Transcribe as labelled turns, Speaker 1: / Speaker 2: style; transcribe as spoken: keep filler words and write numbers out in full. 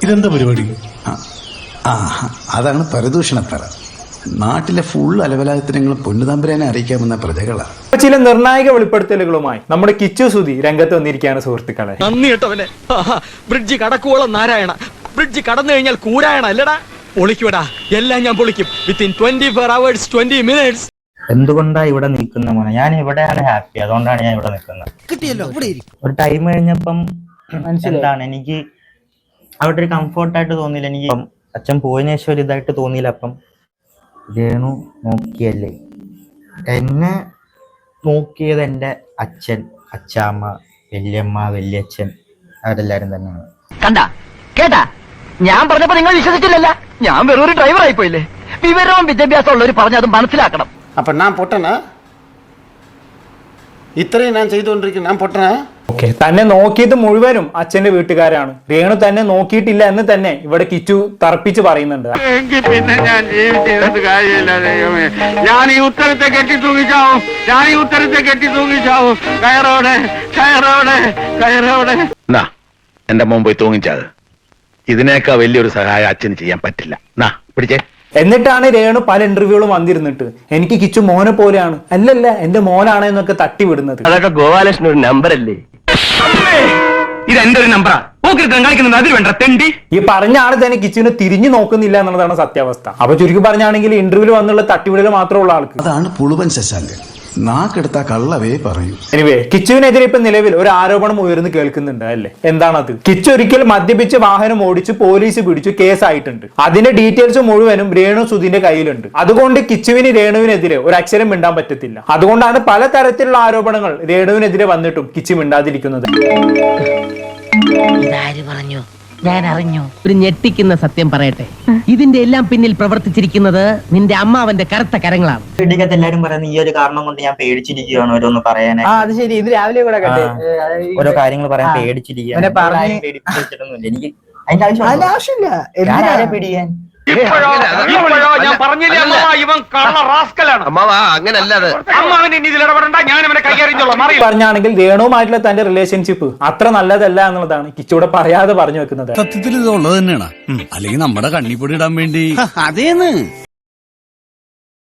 Speaker 1: ഇതെന്താ പരിപാടി?
Speaker 2: ആ അതാണ് പരദൂഷണത്തറ. നാട്ടിലെ ഫുൾ അലവലായത്തിനങ്ങളും പൊന്നുതമ്പുരാനെ അറിയിക്കാമെന്ന പ്രജകളാണ്.
Speaker 3: ചില നിർണായക വെളിപ്പെടുത്തലുകളുമായി നമ്മുടെ കിച്ചു സുധി രംഗത്ത് വന്നിരിക്കുകയാണ് സുഹൃത്തുക്കളെ.
Speaker 4: നന്ദി കേട്ടവനെ. ബ്രിഡ്ജ് കടക്കുവോളം നാരായണ, ബ്രിഡ്ജ് കടന്നു കഴിഞ്ഞാൽ കൂരായണ അല്ലടാ. പൊളിക്കൂടാ, എല്ലാം ഞാൻ പൊളിക്കും within twenty four hours twenty minutes.
Speaker 5: എന്തുകൊണ്ടാ ഇവിടെ നിൽക്കുന്ന മോനെ? ഞാൻ ഇവിടെയാണ് ഹാപ്പി, അതുകൊണ്ടാണ് ഞാൻ ഇവിടെ നിൽക്കുന്നത്. ഒരു ടൈം കഴിഞ്ഞപ്പം എന്താണ് എനിക്ക് അവിടെ ഒരു കംഫോർട്ടായിട്ട് തോന്നിയില്ല. എനിക്ക് അച്ഛൻ പോയതിനു ശേഷം ഒരു ഇതായിട്ട് തോന്നിയില്ല. അപ്പം രേണു നോക്കിയല്ലേ എന്നെ നോക്കിയത് എൻ്റെ അച്ഛൻ, അച്ചാമ്മ, വല്യമ്മ, വല്യച്ഛൻ, അവരെല്ലാരും തന്നെയാണ്.
Speaker 6: കണ്ട കേട്ടാ, ഞാൻ പറഞ്ഞപ്പോ നിങ്ങൾ വിശ്വസിച്ചില്ലല്ല. ഞാൻ വെറും ഒരു ഡ്രൈവർ ആയിപ്പോയില്ലേ. വിവരവും വിദ്യാഭ്യാസം ഉള്ളവർ പറഞ്ഞ് അത് മനസ്സിലാക്കണം.
Speaker 7: അപ്പൊ ഞാൻ പൊട്ടനാ? ഇത്രയും ഞാൻ ചെയ്തുകൊണ്ടിരിക്കുന്നു, ഞാൻ പൊട്ടനാ?
Speaker 3: ഓക്കെ, തന്നെ നോക്കിയത് മുഴുവനും അച്ഛന്റെ വീട്ടുകാരാണ്. രേണു തന്നെ നോക്കിയിട്ടില്ല എന്ന് തന്നെ ഇവിടെ കിച്ചു തറപ്പിച്ച് പറയുന്നുണ്ട്.
Speaker 8: പിന്നെ ഞാൻ ജീവിച്ചത് കാര്യമില്ല ദൈവമേ. ഞാൻ ഈ ഉത്തരത്തെ കെട്ടി തൂങ്ങിച്ചാവും, ഞാൻ ഈ ഉത്തരത്തെ കെട്ടി തൂങ്ങിച്ചാവും. കയറോടെ കയറോടെ കയറോടെ.
Speaker 9: നാ എന്റെ മോൻ പോയി തൂങ്ങിച്ചത്. ഇതിനേക്കാ വലിയൊരു സഹായം അച്ഛന് ചെയ്യാൻ പറ്റില്ല. നാ പിടിച്ചേ.
Speaker 3: എന്നിട്ടാണ് രേണു പല ഇന്റർവ്യൂകളും വന്നിരുന്നിട്ട് എനിക്ക് കിച്ചു മോനെ പോലെയാണ്, അല്ലല്ല എന്റെ മോനാണ് എന്നൊക്കെ തട്ടിവിടുന്നത്.
Speaker 6: അതൊക്കെ ഗോപാലകൃഷ്ണൻ ഒരു നമ്പർ അല്ലേ?
Speaker 8: ഇത് എന്റെ ഒരു നമ്പറാ. കളിക്കുന്നത് അതിൽ വേണ്ട തെണ്ടി.
Speaker 3: ഈ പറഞ്ഞ ആള് തന്നെ കിച്ചുവിനെ തിരിഞ്ഞു നോക്കുന്നില്ല എന്നുള്ളതാണ് സത്യാവസ്ഥ. അപ്പൊ ചുരുക്കി പറഞ്ഞാണെങ്കിൽ ഇന്റർവ്യൂവിൽ വന്നുള്ള തട്ടിവിടൽ മാത്രമുള്ള ആൾക്ക്.
Speaker 2: അതാണ് പുളുവൻ ശശാങ്കൻ. നാക്കെടുത്ത കള്ളവേ പറയൂ.
Speaker 3: എനിവേ, കിച്ചുവിനെതിരെ ഇപ്പൊ നിലവിൽ ഒരു ആരോപണം ഉയർന്നു കേൾക്കുന്നുണ്ട് അല്ലേ? എന്താണത്? കിച്ചു ഒരിക്കൽ മദ്യപിച്ച് വാഹനം ഓടിച്ച് പോലീസ് പിടിച്ചു, കേസായിട്ടുണ്ട്. അതിന്റെ ഡീറ്റെയിൽസ് മുഴുവനും രേണു സുധിന്റെ കയ്യിലുണ്ട്. അതുകൊണ്ട് കിച്ചുവിന് രേണുവിനെതിരെ ഒരു അക്ഷരം മിണ്ടാൻ പറ്റത്തില്ല. അതുകൊണ്ടാണ് പലതരത്തിലുള്ള ആരോപണങ്ങൾ രേണുവിനെതിരെ വന്നിട്ടും കിച്ചു മിണ്ടാതിരിക്കുന്നത്.
Speaker 6: ഇതാര് പറഞ്ഞു? ഞാൻ അറിഞ്ഞു. ഒരു ഞെട്ടിക്കുന്ന സത്യം പറയട്ടെ, ഇതിന്റെ എല്ലാം പിന്നിൽ പ്രവർത്തിച്ചിരിക്കുന്നത് നിന്റെ അമ്മാവന്റെ കറുത്ത കരങ്ങളാണ്.
Speaker 5: വീട്ടിലത്തെ എല്ലാരും പറയുന്നത് ഈ ഒരു കാരണം കൊണ്ട് ഞാൻ പേടിച്ചിരിക്കുകയാണ് ഓരോന്ന് പറയാനായി.
Speaker 10: അത് ശരി. ഇത് രാവിലെ കൂടെ
Speaker 5: ഓരോ കാര്യങ്ങൾ പറയാൻ പേടിച്ചിരിക്കുകയാണ്. എനിക്ക് അതിന്റെ ആവശ്യമില്ല. ഞാൻ ആരെ പേടിക്കാൻ?
Speaker 8: ഞാൻ പറഞ്ഞില്ലേ ഇവൻ കള്ള റാസ്കലാണ്.
Speaker 9: അങ്ങനല്ലാതെ
Speaker 8: അമ്മാവൻ ഇനി ഇതിൽ ഇടപെടണ്ട, ഞാൻ അവനെ കൈകാര്യം.
Speaker 3: പറഞ്ഞാണെങ്കിൽ രേണുവുമായിട്ടുള്ള തന്റെ റിലേഷൻഷിപ്പ് അത്ര നല്ലതല്ല എന്നുള്ളതാണ് കിച്ചൂടെ പറയാതെ പറഞ്ഞു വെക്കുന്നത്.
Speaker 1: സത്യത്തിൽ ഇത് ഉള്ളത് തന്നെയാണ്, അല്ലെങ്കിൽ നമ്മുടെ കണ്ണിപ്പൊടി ഇടാൻ വേണ്ടി.
Speaker 7: അതേന്ന്